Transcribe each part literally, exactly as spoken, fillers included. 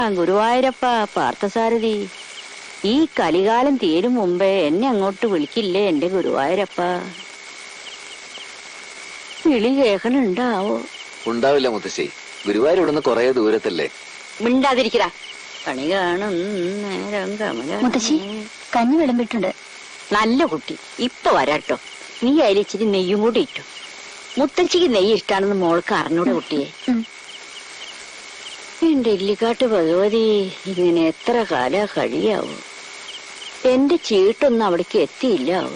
ഗുരുവായൂരപ്പ പാർത്ഥസാരഥി, ഈ കലികാലം തീരും മുമ്പേ എന്നെ അങ്ങോട്ട് വിളിക്കില്ലേ എന്റെ ഗുരുവായൂരപ്പ? വിളി കേൾക്കണുണ്ടാവോ? ഉണ്ടാവില്ല മുത്തശ്ശി, ഗുരുവായൂർ ഇവിടുന്ന് കൊറേ ദൂരത്തല്ലേ. മിണ്ടാതിരിക്കടാ, കണി കാണും നേരം കമല. മുത്തശ്ശി കഞ്ഞി വിളമ്പിട്ടുണ്ട്. നല്ല കുട്ടി, ഇപ്പൊ വരാട്ടോ. നീ അരിച്ചിരി നെയ്യും കൂടി ഇട്ടു. മുത്തച്ഛിക്ക് നെയ്യ് ഇഷ്ടാണെന്ന് മോൾക്ക് അറിഞ്ഞൂടെ കുട്ടിയെ? എന്റെ ഇല്ലിക്കാട്ട് ഭഗവതി, ഇങ്ങനെ എത്ര കാലാ കഴിയാവൂ? എന്റെ ചീട്ടൊന്നും അവിടേക്ക് എത്തിയില്ലാവൂ.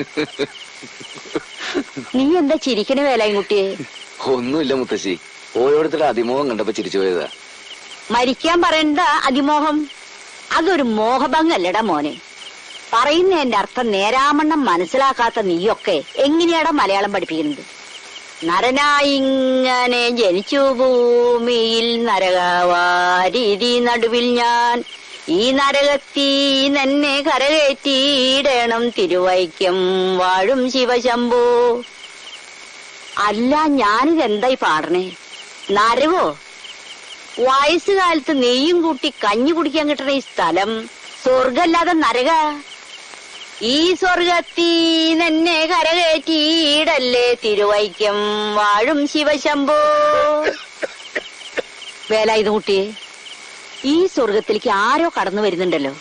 നീ എന്താ ചിരിക്കണ വേലായും കുട്ടിയെ? ഒന്നുമില്ല മുത്തശ്ശി, ഓരോരുത്തരുടെ അതിമോഹം കണ്ടപ്പോ ചിരിച്ചു പോയതാ. മരിക്കാൻ പറയണ്ട അതിമോഹം, അതൊരു മോഹഭംഗല്ലടാ മോനെ. പറയുന്നതിന്റെ അർത്ഥം നേരാമണ്ണം മനസ്സിലാക്കാത്ത നീയൊക്കെ എങ്ങനെയാടാ മലയാളം പഠിപ്പിക്കുന്നത്? നരനായിങ്ങനെ ജനിച്ചു ഭൂമിയിൽ നരകവാരീതി നടുവിൽ ഞാൻ, ഈ നരകത്തീ തന്നെ കരകയറ്റിയിടണം തിരുവൈക്കം വാഴും ശിവശംഭോ. അല്ല, ഞാനിതെന്തായി പാടണേ? നരകോ? വയസ്സുകാലത്ത് നെയ്യും കൂട്ടി കഞ്ഞി കുടിക്കാൻ കിട്ടണ ഈ സ്ഥലം സ്വർഗല്ലാതെ നരക? ഈ സ്വർഗത്തീ തന്നെ കരകയറ്റിയിടല്ലേ തിരുവൈക്കം വാഴും ശിവശംഭോ. വേല ഇത് കുട്ടിയെ, ഈ സ്വർഗത്തിലേക്ക് ആരോ കടന്നു വരുന്നുണ്ടല്ലോ.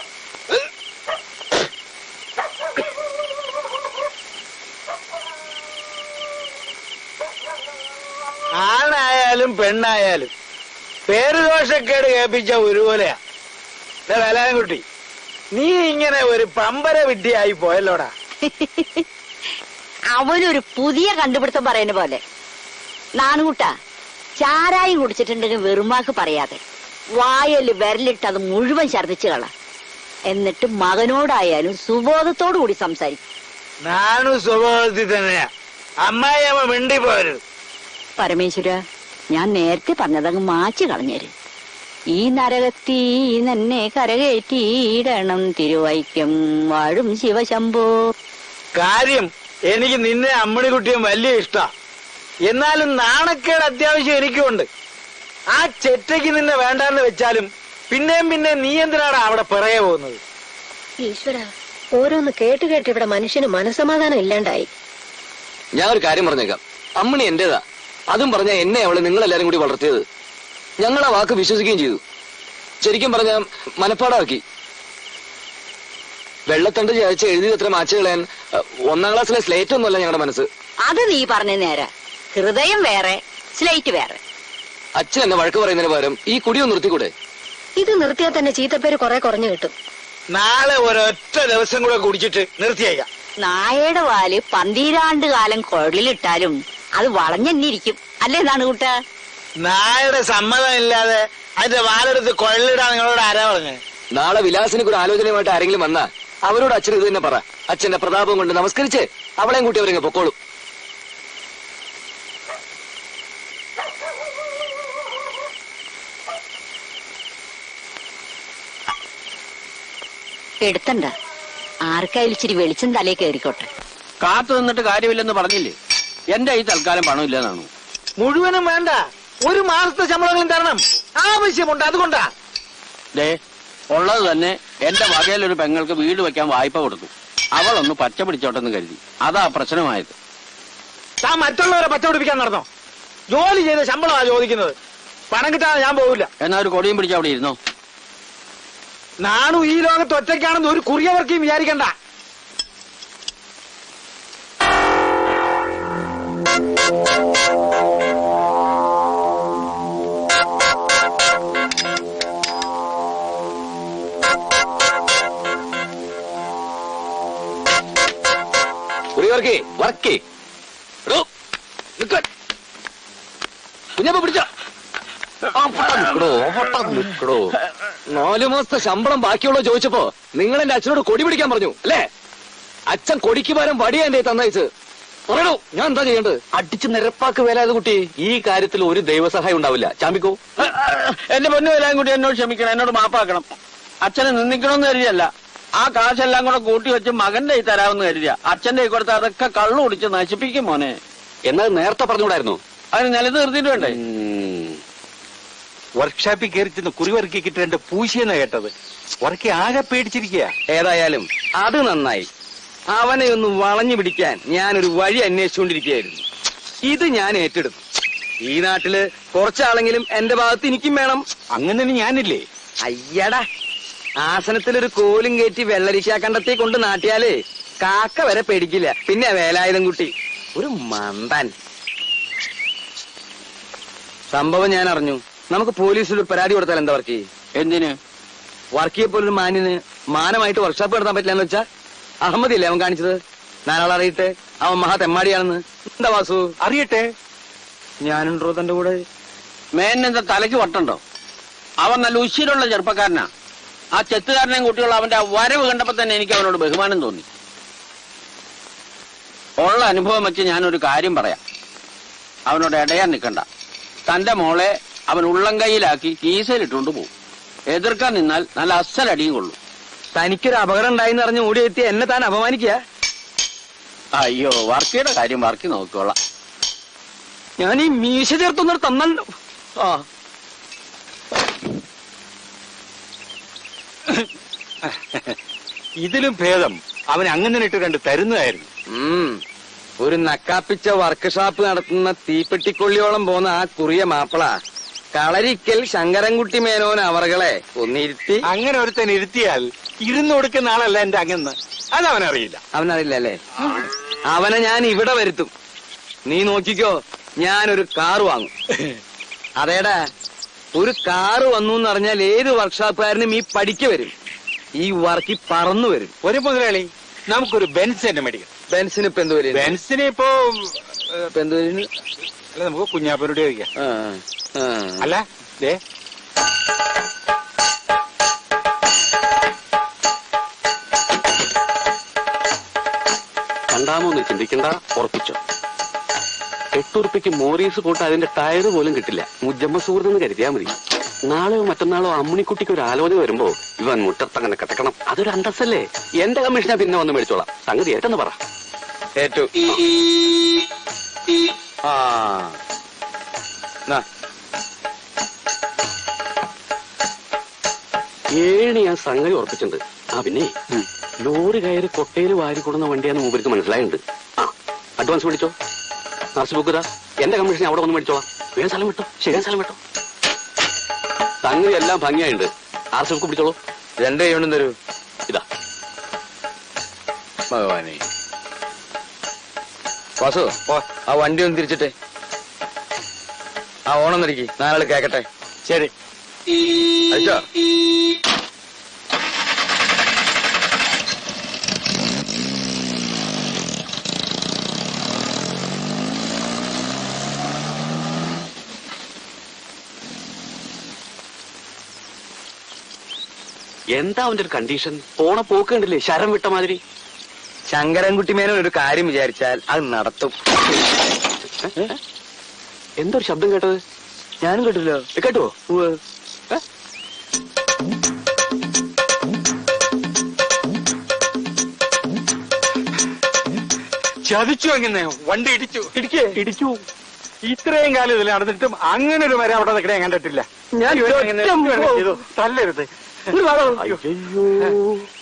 ആണായാലും പെണ്ണായാലും പേരുദോഷക്കേട് കേൾപ്പിച്ച ഒരുപോലെയാ. വേലാൻകുട്ടി, നീ ഇങ്ങനെ ഒരു പമ്പര വിഡ്ഢിയായി പോയല്ലോടാ. അവനൊരു പുതിയ കണ്ടുപിടുത്തം പറയുന്ന പോലെ. നാണുകൂട്ടാ, ചാരായം കുടിച്ചിട്ടുണ്ടെങ്കിൽ വെറുമാക്ക് പറയാതെ വായല് വിരലിട്ട് അത് മുഴുവൻ ഛർദിച്ചു കള. എന്നിട്ട് മകനോടായാലും സുബോധത്തോടു കൂടി സംസാരിക്കും. നാണു സ്വഭാവത്തിൽ തന്നെയാ. അമ്മായിയമ്മ മിണ്ടി പോരുത്. പരമേശ്വര, ഞാൻ നേരത്തെ പറഞ്ഞതങ്ങ് മാച്ചു കളഞ്ഞേര്. ഈ നരകത്തീ തന്നെ കരകയറ്റിയിടണം തിരുവൈക്കം വാഴും ശിവശംഭോ. കാര്യം എനിക്ക് നിന്നെ അമ്മണിക്കുട്ടിയും വലിയ ഇഷ്ടാ. എന്നാലും നാണക്കേട് അത്യാവശ്യം എനിക്കുണ്ട്. ആ ചെറ്റയ്ക്ക് നിന്നെ വേണ്ടാന്ന് വെച്ചാലും പിന്നെയും പിന്നെ നീ എന്തിനാണ് അവിടെ പിറകെ പോകുന്നത്? ഈശ്വര, ഓരോന്ന് കേട്ട് കേട്ട് ഇവിടെ മനുഷ്യന് മനസമാധാനം ഇല്ലാണ്ടായി. ഞാൻ ഒരു കാര്യം പറഞ്ഞേക്കാം, അമ്മണി എന്റേതാ. അതും പറഞ്ഞ എന്നെ അവള് നിങ്ങളെല്ലാരും കൂടി വളർത്തിയത്. ഞങ്ങൾ ആ വാക്ക് വിശ്വസിക്കുകയും ചെയ്തു. ശരിക്കും പറഞ്ഞ മനപ്പാടാക്കി. വെള്ളത്തണ്ട് ചായച്ച് എഴുതിയത് എത്ര മാച്ച് കളയാൻ ഒന്നാം ക്ലാസ്സിലെ സ്ലേറ്റ് ഒന്നുമല്ല ഞങ്ങളുടെ മനസ്സ്. അത് നീ പറഞ്ഞ നേരെ. ഹൃദയം വേറെ, സ്ലേറ്റ് വേറെ. അച്ഛൻ എന്നെ വഴക്ക് പറയുന്നതിന് പകരം ഈ കുടിയൊന്ന് നിർത്തിക്കൂടെ? ഇത് നിർത്തിയാൽ തന്നെ ചീത്തപ്പേര് കുറെ കുറഞ്ഞു കിട്ടും. നാളെ ഒരൊറ്റ ദിവസം കൂടെ കുടിച്ചിട്ട് നിർത്തിയേക്കാം. നായയുടെ വാല് പന്തീരാണ്ട് കാലം കുഴലിലിട്ടാലും അത് വളഞ്ഞെന്നിരിക്കും അല്ലേ നാണുകൂട്ട? നായയുടെ സമ്മതം ഇല്ലാതെ അതിന്റെ വാലെടുത്ത് കൊള്ളിടാൻ നിങ്ങളോട് ആരാ പറഞ്ഞേ? നാളെ വിലാസിനൊക്കെ ഒരു ആലോചനയുമായിട്ട് ആരെങ്കിലും വന്നാ അവരോട് അച്ഛൻ ഇത് തന്നെ പറ. അച്ഛന്റെ പ്രതാപം കൊണ്ട് നമസ്കരിച്ച് അവളെയും കൂട്ടി അവരിങ്ങ് പൊക്കോളും. എടുത്തണ്ട, ആർക്കായാലും ഇച്ചിരി വെളിച്ചം തലേ കയറിക്കോട്ടെ. കാത്തു നിന്നിട്ട് കാര്യമില്ലെന്ന് പറഞ്ഞില്ലേ? എന്റെ ഈ തൽക്കാലം പണമില്ലെന്നാണോ? മുഴുവനും വേണ്ട, ഒരു മാസത്തെ ശമ്പളങ്ങളും തരണം. ആവശ്യമുണ്ട്, അതുകൊണ്ടാ. ദേ, ഉള്ളത് തന്നെ എന്റെ വകയിലൊരു പെങ്ങൾക്ക് വീട് വെക്കാൻ വായ്പ കൊടുത്തു. അവളൊന്ന് പച്ച പിടിച്ചോട്ടെന്ന് കരുതി. അതാ പ്രശ്നമായത്. താൻ മറ്റുള്ളവരെ പച്ച പിടിപ്പിക്കാൻ നടന്നോ? ജോലി ചെയ്ത ശമ്പളമാ ചോദിക്കുന്നത്. പണം കിട്ടാതെ ഞാൻ പോവില്ല. എന്നാ ഒരു കൊടിയും പിടിച്ച് അവിടെ ഇരുന്നോ. നാണു ഈ ലോകത്ത് ഒറ്റയ്ക്കാണെന്ന് ഒരു കുറിയവർക്കും വിചാരിക്കണ്ട. കുഞ്ഞപ്പ പിടിച്ചോ. നിക്കടോ. നാലു മാസത്തെ ശമ്പളം ബാക്കിയുള്ളോ ചോദിച്ചപ്പോ നിങ്ങൾ എന്റെ അച്ഛനോട് കൊടി പിടിക്കാൻ പറഞ്ഞു അല്ലേ? അച്ഛൻ കൊടിക്ക് പകരം വടിയാ എന്റെ തന്നയച്ച്. പറയണോ ഞാൻ എന്താ ചെയ്യേണ്ടത്? അടിച്ച് നിരപ്പാക്ക് വേലായത് കുട്ടി. ഈ കാര്യത്തിൽ ഒരു ദൈവസഹായം ഉണ്ടാവില്ല. ചാമ്പിക്കോ. എന്റെ പൊന്നു വേലായും കൂടി എന്നോട് ക്ഷമിക്കണം, എന്നോട് മാപ്പാക്കണം. അച്ഛനെ നിന്ദിക്കണമെന്ന് കരുതിയല്ല. ആ കാശെല്ലാം കൂടെ കൂട്ടി വെച്ച് മകന്റെ കൈ തരാമെന്ന് കരുതിയ. അച്ഛന്റെ കൈ കൊടുത്ത് അതൊക്കെ കള്ളു കുടിച്ച് നശിപ്പിക്കും മോനെ. എന്നാൽ നേരത്തെ പറഞ്ഞുകൂടായിരുന്നു? അതിന് നിലത്ത് നിർത്തിയിട്ട് വേണ്ടേ? വർക്ക്ഷോപ്പിൽ കയറി ചെന്ന് കുറിവറുക്കിട്ട് എന്റെ പൂശിയെന്നാ കേട്ടത്. ഉറക്കി ആകെ പേടിച്ചിരിക്കുക. ഏതായാലും അത് നന്നായി. അവനെ ഒന്ന് വളഞ്ഞു പിടിക്കാൻ ഞാനൊരു വഴി അന്വേഷിച്ചുകൊണ്ടിരിക്കുകയായിരുന്നു. ഇത് ഞാൻ ഏറ്റെടുത്തു. ഈ നാട്ടില് കുറച്ചാളെങ്കിലും എന്റെ ഭാഗത്ത് എനിക്കും വേണം. അങ്ങനെ തന്നെ ഞാനില്ലേ? അയ്യടാ, ആസനത്തിലൊരു കോലും കയറ്റി വെള്ളരിശാ കണ്ടത്തെ കൊണ്ട് നാട്ടിയാലേ കാക്ക വരെ പേടിക്കില്ല. പിന്നെ വേലായുധം കുട്ടി ഒരു മന്ദൻ. സംഭവം ഞാൻ അറിഞ്ഞു. നമുക്ക് പോലീസിൽ ഒരു പരാതി കൊടുത്താൽ എന്താ വർക്ക്? എന്തിന്? വർക്കിയെ പോലൊരു മാന്യന് മാനമായിട്ട് വർക്ക്ഷോപ്പ് നടത്താൻ പറ്റില്ല എന്ന് വെച്ചാ അഹമ്മദില്ലേ അവൻ കാണിച്ചത്? നാലാളറിയട്ടെ അവൻ മഹാ തെമ്മാടിയാണെന്ന്. എന്താ വാസു? അറിയട്ടെ. ഞാനുണ്ടോ തന്റെ കൂടെ? മേനെന്താ തലയ്ക്ക് വട്ടുണ്ടോ? അവൻ നല്ല ഉശിരുള്ള ചെറുപ്പക്കാരനാ. ആ ചെത്തുകാരനെയും കുട്ടികളും അവന്റെ ആ വരവ് കണ്ടപ്പോ തന്നെ എനിക്ക് അവനോട് ബഹുമാനം തോന്നി. ഉള്ള അനുഭവം വെച്ച് ഞാനൊരു കാര്യം പറയാം. അവനോട് ഇടയാൻ നിൽക്കണ്ട. തന്റെ മോളെ അവൻ ഉള്ളം കൈയിലാക്കി കീസയിലിട്ടുകൊണ്ട് പോകും. എതിർക്കാൻ നിന്നാൽ നല്ല അസലടിയും കൊള്ളും. തനിക്കൊരു അപകടം ഉണ്ടായിന്ന് അറിഞ്ഞ് ഓടിയെത്തി എന്നെ താൻ അപമാനിക്കുക? അയ്യോ, വർക്കിയുടെ കാര്യം വർക്കി നോക്കിക്കോളാം. ഞാൻ ഈ മീശ ചേർത്തൊന്നും തന്നല്ലോ. ആ ഇതിലും ഭേദം അവൻ അങ്ങനെ ഇട്ട് കണ്ട് തരുന്നതായിരുന്നു. ഉം ഒരു നക്കാപ്പിച്ച വർക്ക്ഷോപ്പ് നടത്തുന്ന തീപ്പെട്ടിക്കൊള്ളിയോളം പോന്ന ആ കുറിയ മാപ്പിള കളരിക്കൽ ശങ്കരൻകുട്ടി മേനോൻ അവറുകളെ ഒന്നിരുത്തി. അങ്ങനെ ഒരുത്തൻ ഇരുത്തിയാൽ ഇരുന്ന് കൊടുക്കുന്ന ആളല്ല എന്റെ അങ്ങന്ന്. അതവനറിയില്ല. അവനറിയില്ല അല്ലേ? അവനെ ഞാൻ ഇവിടെ വരുത്തും. നീ നോക്കിക്കോ, ഞാനൊരു കാറ് വാങ്ങും. അതേടാ, ഒരു കാറ് വന്നു എന്നറിഞ്ഞാൽ ഏത് വർക്ക്ഷോപ്പുകാരനും ഈ പഠിക്ക് വരും. ഈ വർക്കി പറന്നു വരും. ഒരു മുതലാളി, നമുക്കൊരു ബെൻസ് തന്നെ മേടിക്കാം. ബെൻസിന് ഇപ്പൊ എന്ത് വരും? ബെൻസിന് ഇപ്പോ ഇപ്പൊ എന്ത് വരും? അല്ല, നമുക്ക് കുഞ്ഞാപ്പൂരുടെ ചോദിക്കാം. ആ ആ അല്ല ദേ കണ്ടാമോന്ന് ചിന്തിക്കണ്ട, ഉറപ്പിച്ചോ. എട്ടുറുപ്പിക്ക് മോറീസ് പോട്ട് അതിന്റെ ടയർ പോലും കിട്ടില്ല. മുജമ്മ സുഹൃത്തെന്ന് കരുതിയാ മതി. നാളെയോ മറ്റന്നാളോ അമ്മിണിക്കുട്ടിക്ക് ഒരു ആലോചന വരുമ്പോ ഇവൻ മുറ്റത്തങ്ങനെ കിടക്കണം. അതൊരു അന്തസ്സല്ലേ? എന്റെ കമ്മീഷനാ പിന്നെ വന്ന് മേടിച്ചോളാം. സംഗതി ഏറ്റെന്ന് പറ. ഏറ്റു. ആ ഏഴ് ഞാൻ സംഗതി ഉറപ്പിച്ചിട്ടുണ്ട്. ആ പിന്നെ ലോറി കയറി കൊട്ടയിൽ വാരി കൊടുന്ന വണ്ടിയാന്ന് മൂപ്പർക്ക് മനസ്സിലായിട്ടുണ്ട്. ആ അഡ്വാൻസ് മേടിച്ചോ. നർസ് ബുക്ക് ഇതാ. എന്റെ കമ്മീഷൻ അവിടെ വന്ന് മേടിച്ചോളാം. വേഗം സ്ഥലം വിട്ടോ. ശരിയാൻ സ്ഥലം വിട്ടോ. സംഗതി എല്ലാം ഭംഗിയായിട്ടുണ്ട്. ആർ സി ബുക്ക് പിടിച്ചോളൂ. രണ്ട് കൈകൊണ്ടും തരൂ. ഇതാ. ഭഗവാനെ. വാസു, ആ വണ്ടി ഒന്ന് തിരിച്ചിട്ടെ. ആ ഓണം തിരിക്കി, നാലാള് കേക്കട്ടെ. ശരി. അയച്ചോ? എന്താ അവന്റെ ഒരു കണ്ടീഷൻ? പോണ പോക്ക് കണ്ടില്ലേ, ശരം വിട്ട മാതിരി. ശങ്കരൻകുട്ടി മേനോൻ ഒരു കാര്യം വിചാരിച്ചാൽ അത് നടത്തും. എന്തൊരു ശബ്ദം കേട്ടത്? ഞാനും കേട്ടില്ലോ. കേട്ടോ? ചതിച്ചു. അങ്ങനെ വണ്ടി ഇടിച്ചു. ഇടിക്കേ ഇടിച്ചു. ഇത്രയും കാലം ഇതിൽ നടന്നിട്ടും അങ്ങനെ ഒരു മരം അവിടെ നിൽക്കണേ കണ്ടിട്ടില്ല. ഞാൻ തല്ലരുത്. അയ്യോ